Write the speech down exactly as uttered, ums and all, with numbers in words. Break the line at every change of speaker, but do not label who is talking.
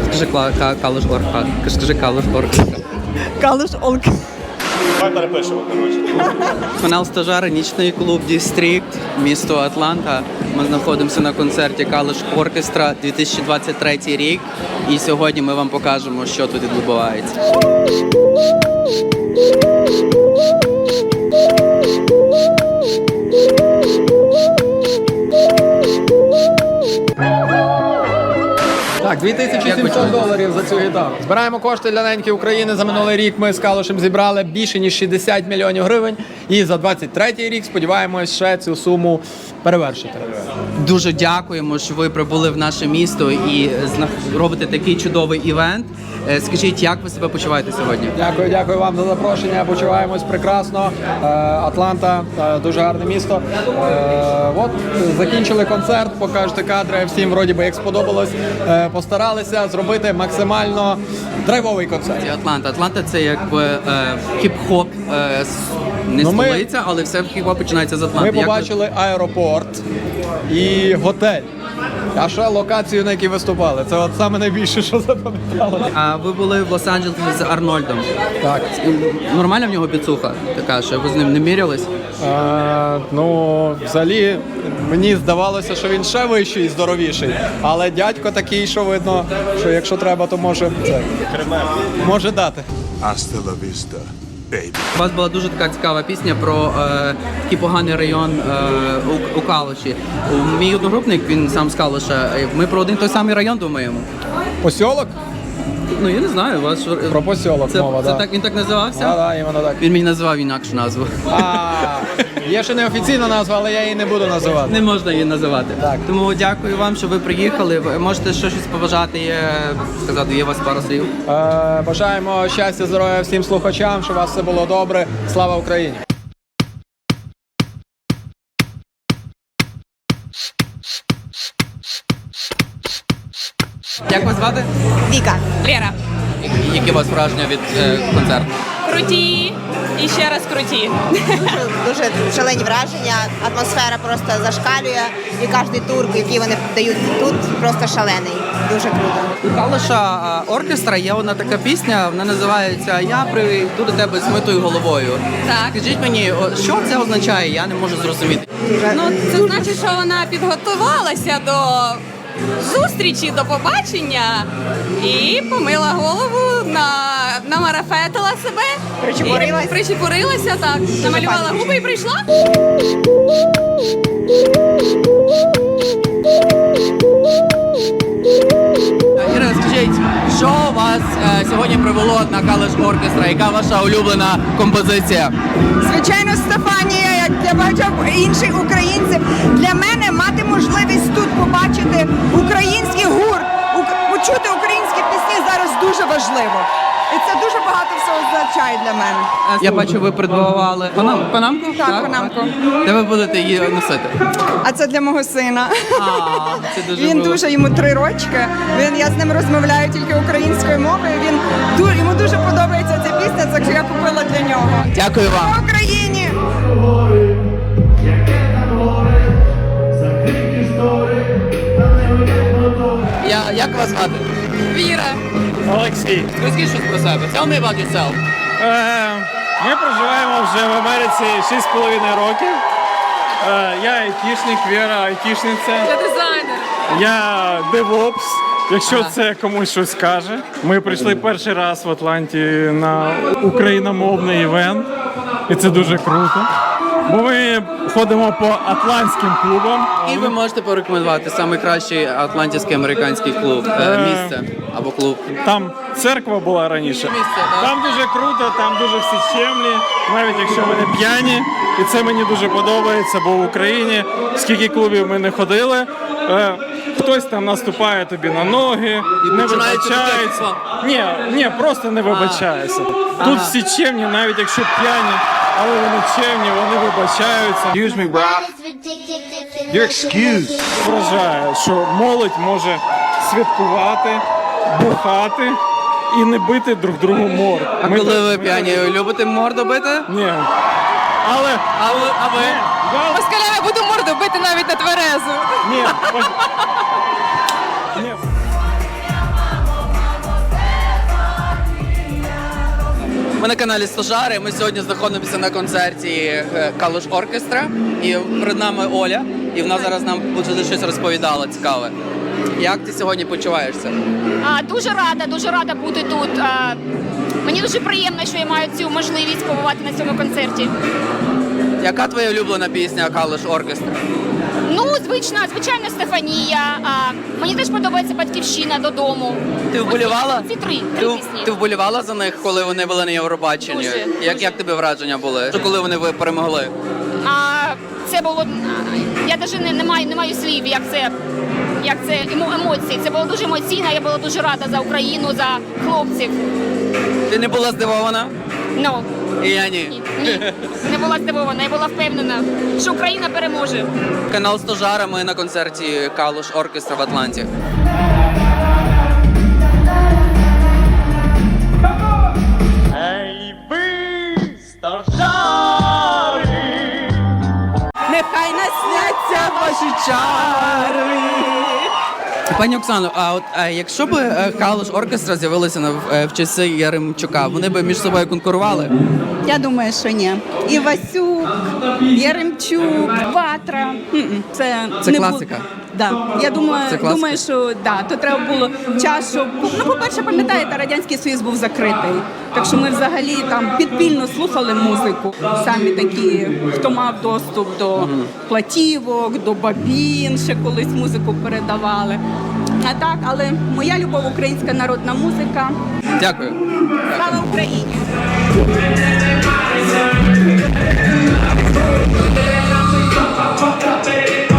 Скажи Калуш Орка. Скажи Калуш Орка.
Калуш Орка.
Давай перепишемо, коротше.
Канал Стажари, нічний клуб Дістрикт, місто Атланта. Ми знаходимося на концерті Калуш Оркестра дві тисячі двадцять третій рік. І сьогодні ми вам покажемо, що тут відбувається.
Так, дві тисячі сімсот доларів за цю гітару. Збираємо кошти для неньки України. За минулий рік ми з Калушем зібрали більше ніж шістдесят мільйонів гривень. І за двадцять третій рік сподіваємось ще цю суму перевершити.
Дуже дякуємо, що ви прибули в наше місто і робите такий чудовий івент. Скажіть, як ви себе почуваєте сьогодні?
Дякую, дякую вам за запрошення. Почуваємось прекрасно. Атланта дуже гарне місто. От закінчили концерт, покажете кадри. Всім вроді би як сподобалось. Постаралися зробити максимально драйвовий концерт.
Атланта. Атланта це якби е, хіп-хоп, е, не ну, столиця, ми, але все хіп-хоп починається з Атланти.
Ми побачили як... аеропорт і готель. А ще локацію, на якій виступали. Це от саме найбільше, що запам'яталося.
А ви були в Лос-Анджелесі з Арнольдом.
Так.
Нормальна в нього біцуха така, що ви з ним не мірялись?
А, ну, взагалі, мені здавалося, що він ще вищий і здоровіший. Але дядько такий, що видно, що якщо треба, то може це, може дати.
Hasta la vista, baby.
У вас була дуже така цікава пісня про е, такий поганий район е, у, у Калуші. Мій одногрупник, він сам з Калуша, ми про один той самий район думаємо.
Посьолок?
Ну, я не знаю, у вас...
Про посьолок
це,
мова,
це
да.
так, він так називався?
Так, да, іменно так.
Він мені назвав інакшу назву.
А, є ще неофіційна назва, але я її не буду називати.
Не можна її називати.
Так.
Тому дякую вам, що ви приїхали. Ви можете ще щось побажати, є, сказати, є у вас пару слів?
Е, бажаємо щастя, здоров'я всім слухачам, щоб у вас все було добре. Слава Україні!
Як вас звати?
Віка. Лера.
Які у вас враження від е, концерту?
Круті і ще раз круті.
Дуже, дуже шалені враження, атмосфера просто зашкалює, і кожен тур, який вони дають тут, просто шалений. Дуже круто.
У Калуша оркестра є одна така пісня, вона називається «Я прийду до тебе з митою головою».
Так.
Скажіть мені, що це означає? Я не можу зрозуміти.
Ну, це значить, що вона підготувалася до зустрічі, до побачення і помила голову, на, намарафетила себе.
Причепурилась.
І причепурилася, так. Намалювала губи і прийшла.
Ірина, скажіть, що вас е, сьогодні привело на Калуш оркестра? Яка ваша улюблена композиція?
Звичайно, Стефанія, як для багатьох інших українців. Для мене мати можливість тут побачити український гурт, ук- почути українські пісні зараз дуже важливо. І це дуже багато всього означає для мене.
Я бачу, ви придбавали панам, панамку?
Так, панамку.
Де ви будете її носити?
А це для мого сина.
А, це дуже
Він
мило.
дуже, йому три рочки. Він, я з ним розмовляю тільки українською мовою. Він ду- йому дуже подобається ця пісня, так що я купила для нього.
Дякую вам.
Слава Україні!
Я, як вас звати?
Віра.
Олексій.
Розкажіть щось про себе. Tell me about yourself.
Е, Ми проживаємо вже в Америці шість з половиною років. Е, Я айтішник, Віра айтішниця.
Я дизайнер.
Я девопс, якщо це комусь щось каже. Ми прийшли перший раз в Атланті на україномовний івент. І це дуже круто. Бо ми ходимо по атлантським клубам.
І ви можете порекомендувати найкращий атлантський американський клуб, е, місце або клуб.
Там церква була раніше.
Місце, так.
Там дуже круто, там дуже всі чемні, навіть якщо ви не п'яні. І це мені дуже подобається, бо в Україні скільки клубів ми не ходили, е, хтось там наступає тобі на ноги, не
починається
вибачається.
таке,
Ні, ні, просто не вибачається. Тут
Ага.
всі чемні, навіть якщо п'яні, але вони чемні, вони вибачаються.
Excuse me, bro. You're excused.
Вражає, що молодь може святкувати, бухати і не бити друг другу морд.
А
Ми
коли
так-
ви п'яні, любите морду бити?
Ні. Але
А ви? А ви?
я...
Москаля, я буду морду бити навіть на тверезу.
Ні. пос- Ні.
Ми на каналі Стожари. Ми сьогодні знаходимося на концерті е, Калуш Оркестра. І перед нами Оля. І вона зараз нам буде щось розповідала цікаве. Як ти сьогодні почуваєшся?
А, дуже рада, дуже рада бути тут. А, мені дуже приємно, що я маю цю можливість побувати на цьому концерті.
Яка твоя улюблена пісня Калуш Оркестра?
Ну, звична, звичайно, Стефанія. А, мені теж подобається Батьківщина додому.
Ти вболівала?
Ці три,
Ти,
три пісні.
ти вболівала за них, коли вони були на Євробаченні?
Дуже,
як,
дуже.
як тобі враження були? Коли вони ви перемогли?
А, це було. Я навіть не, не маю не маю слів, як це. Як це емо- емоції. Це було дуже емоційно, я була дуже рада за Україну, за хлопців.
Ти не була здивована?
Ну,
І я ні.
ні, ні, не була здивована, я була впевнена, що Україна переможе.
Канал Стожара, ми на концерті Калуш Оркестра в Атланті.
Нехай насняться ваші чари.
Пані Оксано, а от а якщо б е, Калуш Оркестра з'явилися на в, е, в часи Яремчука, вони б між собою конкурували?
Я думаю, що ні. Івасюк, Яремчук, Ватра. М-м, Це,
Це
не
класика.
Бу... Да. Я думаю,
Це класика.
думаю, що да, то треба було час, щоб... Ну, по-перше, пам'ятаєте, Радянський Союз був закритий. Так що ми взагалі там підпільно слухали музику. Самі такі, хто мав доступ до платівок, до бабін, ще колись музику передавали. А так, але моя любов – українська народна музика.
Дякую.
Слава Україні!
Hey!